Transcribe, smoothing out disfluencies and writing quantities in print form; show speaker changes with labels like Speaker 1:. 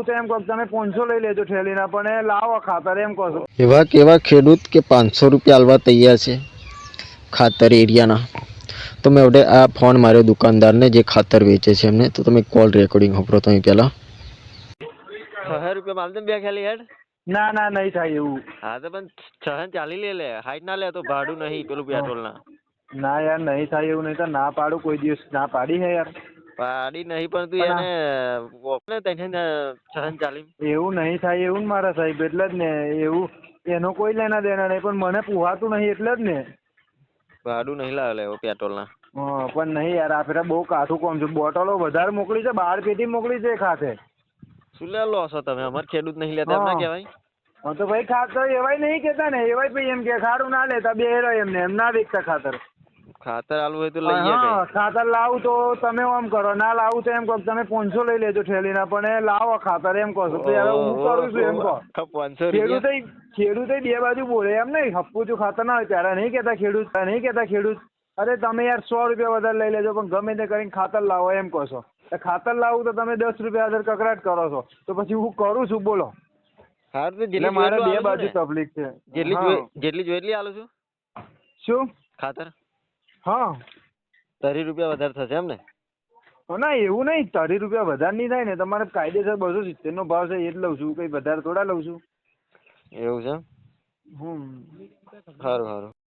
Speaker 1: લાવું તો એમ કહો તમે 500 લઈ લેજો ઠેલીના, પણ એ લાવો ખાતર એમ કહો છો.
Speaker 2: એવા કેવા ખેડૂત કે 500 રૂપિયા આલવા તૈયાર છે ખાતર એરિયાના. તો મેં હવે આ ફોન માર્યો દુકાનદારને જે ખાતર વેચે છે એમને. તો તમે કોલ રેકોર્ડિંગ સાંભળો તમે પહેલાં.
Speaker 3: 6 રૂપિયા માલ દે બે ખાલી હેડ.
Speaker 1: ના ના નહીં થાય એવું.
Speaker 3: હા તો પણ 640 લે હાઈટ ના લે તો ભાડું નહીં પેલું પેટ્રોલ ના.
Speaker 1: ના યાર નહીં થાય એવું, નહીં તો ના પાડું, કોઈ દિવસ ના પાડી હે યાર.
Speaker 3: પાડી નહીં પણ તું એને ઓપને તને 640.
Speaker 1: એવું નહીં થાય એવું ને મારા સાહેબ, એટલે જ ને એવું એનો કોઈ લેના દેના નહીં, પણ મને પુહાતું નહીં એટલે જ ને.
Speaker 3: ભાડું નહીં લાવે એવો પેટ્રોલ ના.
Speaker 1: હા પણ નહીં યાર, આ ફેરા બહુ કાઠું કોમ છે. બોટલો વધારે મોકલી છે, 12 પેટી મોકલી છે ખાતે.
Speaker 3: શું લે લો છો તમે? અમાર ખેડૂત નહીં લેતા એમ ના કહેવાય.
Speaker 1: હા તો ભાઈ ખાતર એવાય નહીં કેતા ને, એવાય ભાઈ એમ કે ખારું ના લેતા બે હેરો એમને એમ ના વેચતા ખાતર.
Speaker 3: ખાતર આલવું હોય તો લઈએ
Speaker 1: હા
Speaker 3: કઈ.
Speaker 1: ખાતર લાવું તો તમે આમ કરો, ના લાવું તો એમ કહો તમે 500 લઈ લેજો ઠેલીના, પણ એ લાવો ખાતર એમ કહો છો. તો યાર હું કરું છું એમ કહો.
Speaker 3: 500 રૂપિયા.
Speaker 1: ખેડૂતે બે બાજુ બોલે એમ નહીં. હપ્પું જો ખાતર ના હોય ત્યારે નહીં કેતા ખેડૂત. અરે તમે યાર 100 રૂપિયા વધારે લઈ લેજો, પણ ગમે તે કરીને ખાતર લાવો એમ કહો છો. ખાતર લાવું તો તમે 10 રૂપિયા વધારે કકડાટ કરો છો, તો પછી હું કરું છું બોલો.
Speaker 3: હા તો જેટલી
Speaker 1: મારે બે બાજુ તકલીફ છે.
Speaker 3: જેટલી જોઈએ એટલી આલું છું.
Speaker 1: શું
Speaker 3: ખાતર
Speaker 1: હા
Speaker 3: 30 રૂપિયા વધારે થશે એમ ને?
Speaker 1: ના એવું નહીં, 30 રૂપિયા વધારે નહીં થાય ને. તમારે કાયદેસર 270 નો ભાવ છે એ જ લઉં છું, કઈ વધારે થોડા લઉં છું.
Speaker 3: એવું છે?
Speaker 1: હમ
Speaker 3: સારું સારું.